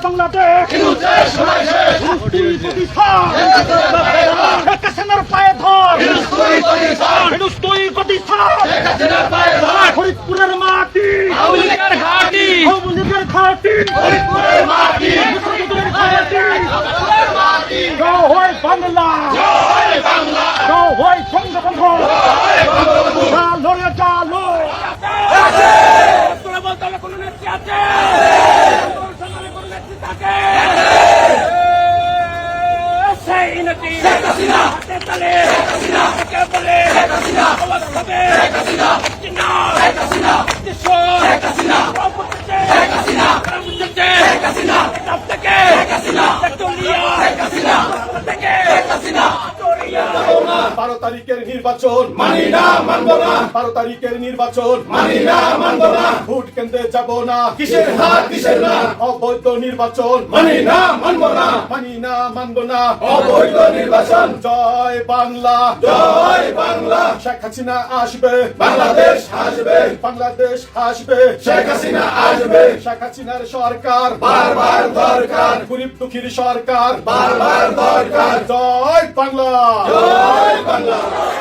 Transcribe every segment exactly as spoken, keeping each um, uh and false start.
বাংলাদেশ পায়ে ধর ফরিদপুরের মাটি ঘাটি জয় বাংলা জয় বঙ্গবন্ধু লড়ে চালো কোনো নেত্রী আছে সেই নেত্রী হাতে তালে কে বলে আওয়াজ হবে বারো তারিখের নির্বাচন মানি না মানব না বারো তারিখের নির্বাচন মানি না মানব না ভোট কেন্দ্রে যাব না কিসের হাত কিসের না অবৈধ নির্বাচন মানি না মানব না মানি না মানব না অবৈধ নির্বাচন জয় বাংলা জয় বাংলা শেখ হাসিনা আসবে বাংলাদেশ আসবে বাংলাদেশ আসবে শেখ হাসিনা আসবে শেখ হাসিনার সরকার বারবার দরকার গরিব দুঃখীর সরকার বারবার দরকার জয় বাংলা জয় বাংলা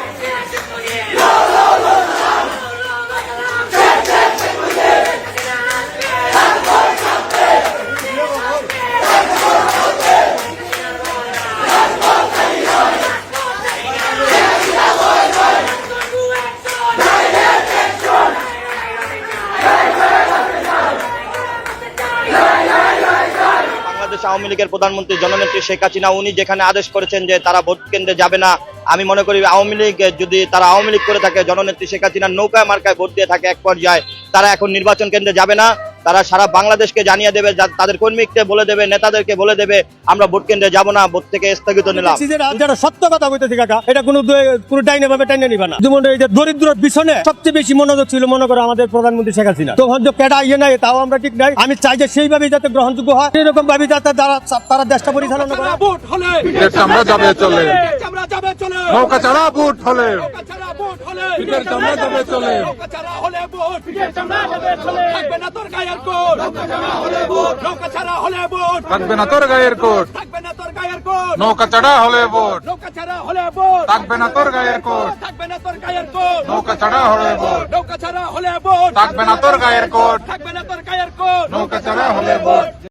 আওয়ামী লীগের প্রধানমন্ত্রী জননেত্রী শেখ হাসিনা উনি যেখানে আদেশ করেছেন যে তারা ভোট কেন্দ্রে যাবে না, আমি মনে করি আওয়ামী লীগ যদি তারা আওয়ামী লীগ করে থাকে, জননেত্রী শেখ হাসিনার নৌকায় মার্কায় ভোট দিয়ে থাকে এক পর্যায়ে, তারা এখন নির্বাচন কেন্দ্রে যাবে না। তারা সারা বাংলাদেশকে জানিয়ে দেবে, তাদের কর্মীকে বলে দেবে, নেতাদেরকে বলে দেবে আমরা ভোট কেন্দ্রে যাব না, ভোট থেকে স্থগিত নিলাম। যেটা সত্য কথা বলতেছি কাকা, এটা কোনো কোনো ডাইনে ভাবে টাইনে নিবা না। যেমন এই যে দরিদ্রের পিছনে সবচেয়ে বেশি মনোযোগ ছিল মনে করো আমাদের প্রধানমন্ত্রী শেখ হাসিনা। তখন যে কেডা ইয়ে নাই তাও আমরা ঠিক নাই। আমি চাই যে সেইভাবে যাতে গ্রহণযোগ্য হয়, এরকম ভাবে যাতে তারা তারা দেশটা পরিচালনা করে। ভোট হলে আমরা যাবে চলে আমরা যাবে চলে নৌকা ছাড়া ভোট হলে নৌকা ছাড়া ভোট হলে পিঠের চামড়া যাবে চলে নৌকা ছাড়া হলে ভোট পিঠের চামড়া যাবে চলে থাকবে না তোর গায়ের কোট নৌকা ছাড়া হলে ভোট নৌকা ছাড়া হলে ভোট থাকবে না তোর গায়ের কোট থাকবে না তোর গায়ের কোট নৌকা ছাড়া হলে ভোট নৌকা ছাড়া হলে ভোট থাকবে না তোর গায়ের কোট থাকবে না তোর গায়ের কোট নৌকা ছাড়া হলে ভোট নৌকা ছাড়া হলে ভোট থাকবে না তোর গায়ের কোট থাকবে না তোর গায়ের কোট নৌকা ছাড়া হলে ভোট